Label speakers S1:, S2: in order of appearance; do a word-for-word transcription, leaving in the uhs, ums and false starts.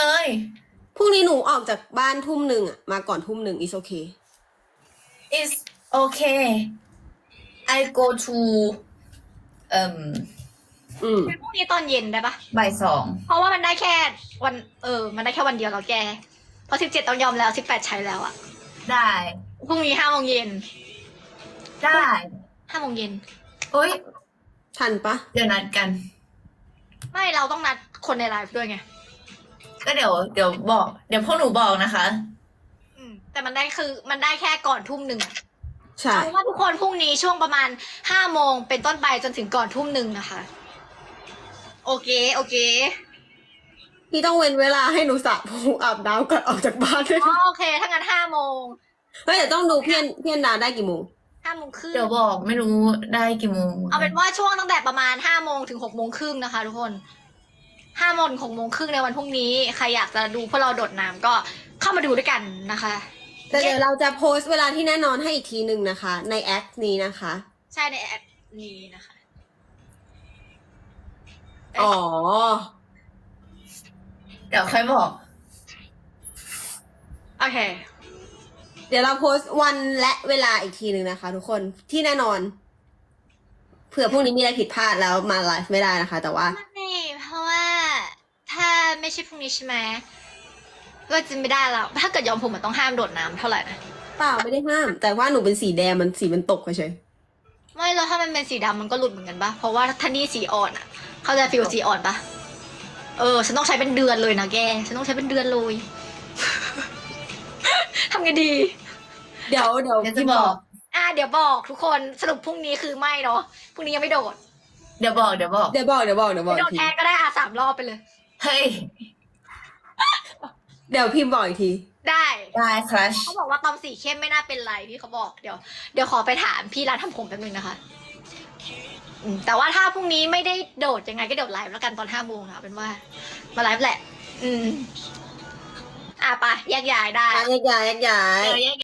S1: เลย
S2: พรุ่งนี้หนูออกจากบ้านทุ่มหนึ่งอะมาก่อนทุ่มหนึ่ง is okay
S1: is okay I go to เอ่ม
S2: อืม
S3: พรุ่งนี้ตอนเย็นได้ปะ
S1: บ่ายสอง
S3: เพราะว่ามันได้แค่วันเออ มันได้แค่วันเดียวแล้วแกเพราะสิบเจ็ดต้องยอมแล้วสิบแปดใช้แล้วอะ
S1: ได้
S3: พรุ่งนี้ห้าโมงเย็น
S1: ได้
S3: ห้าโมงเย็น
S1: เฮ้ย
S2: ทันปะ
S1: เดี๋ยวนัดกัน
S3: ไม่เราต้องนัดคนในไลฟ์ด้วยไง
S1: ก็เดี๋ยวเดี๋ยวบอก เดี๋ยวพวกหนูบอกนะคะ
S3: อืมแต่มันได้คือมันได้แค่ก่อนทุ่มหนึ่งอะ
S2: ใช่
S3: เอาว่าทุกคนพรุ่งนี้ช่วงประมาณห้าโมงเป็นต้นไปจนถึงก่อนทุ่มหนึ่งนะคะ โอเค โอเค
S2: พี่ต้องเว้นเวลาให้หนูสระผมอาบน้ำก่อนออกจากบ้านด้วย
S3: อ๋อโอเค ถ้างั้นห้าโมง
S2: เฮ้ยเดี๋ยวต้องดูเพี้ยนเพี้ยนดาได้กี่โมง
S3: ห้าโมงครึ่ง
S1: เดี๋ยวบอกไม่รู้ได้กี่โมง
S3: เอาเป็นว่าช่วงตั้งแต่ประมาณห้าโมงถึงหกโมงครึ่งนะคะ ทุกคนห้าโมงถึงหกโมงครึ่งในวันพรุ่งนี้ใครอยากจะดูพวกเราโดดน้ำก็เข้ามาดูด้วยกันนะคะ
S2: แต่เดี๋ยวเราจะโพสต์เวลาที่แน่นอนให้อีกทีหนึ่งนะคะ ในแอคนี้นะคะ
S3: ใช่ในแอปนี้นะคะ
S2: อ๋อ
S1: เดี๋ยวค่อยบอก
S3: โอเค
S2: เดี๋ยวเราโพสต์วันและเวลาอีกทีหนึ่งนะคะ ทุกคนที่แน่นอน เผื่อพรุ่งนี้มีอะไรผิดพลาดแล้วมาไลฟ์ไม่ได้นะคะ แต่ว่า
S3: ไม่เพราะว่าถ้าไม่ใช่พรุ่งนี้ใช่ไหมก็จะไม่ได้แล้ว ถ้าเกิดยอมผมมันต้องห้ามโดดน้ำเท่าไหร่นะ
S2: เปล่าไม่ได้ห้าม แต่ว่าหนูเป็นสีแดงมันสีมันตกเฉย
S3: ไม่แล้วถ้ามันเป็นสีดำมันก็หลุดเหมือนกันปะเพราะว่าถ้านี่สีอ่อนอ่ะ เขาใจะฟิลสีอ่อนปะเออ ฉันต้องใช้เป็นเดือนเลยนะแก ฉันต้องใช้เป็นเดือนเลย ทำไงดี
S2: ๆเดี๋ยวเดี๋ยว
S1: เดี๋ยวจะ
S2: พี่
S1: บอก
S3: อ่ะเดี๋ยวบอกทุกคนสรุปพรุ่งนี้คือไม่เนาะพรุ่งนี้ยังไม่โดด
S1: เดี๋ยวบอกเดี๋ยวบอก
S2: เดี๋ยวบอกเดี๋ยวบอกเดี๋ยวบอก
S3: ไม่โด
S2: อี
S3: ด
S2: กที
S3: แทนก็ได้อ่ะสามรอบไปเลย
S1: เฮ้ย
S2: เดี๋ยวพิมพ์บอกอีกที
S3: ได้
S1: ได้ครัช
S3: เขาบอกว่าตอมสีเข้มไม่น่าเป็นไรพี่เขาบอกเดี๋ยวเดี๋ยวขอไปถามพี่ร้านทำผมแป๊บนึงนะคะอืมแต่ว่าถ้าพรุ่งนี้ไม่ได้โดดยังไงก็โดดไลฟ์แล้วกันตอนห้าโมงนะเป็นว่า มาไลฟ์แหละ อืม อ่ะไปแยกย้ายได้
S2: แยกย้ายแยกย้าย
S1: เดี๋ยวแยก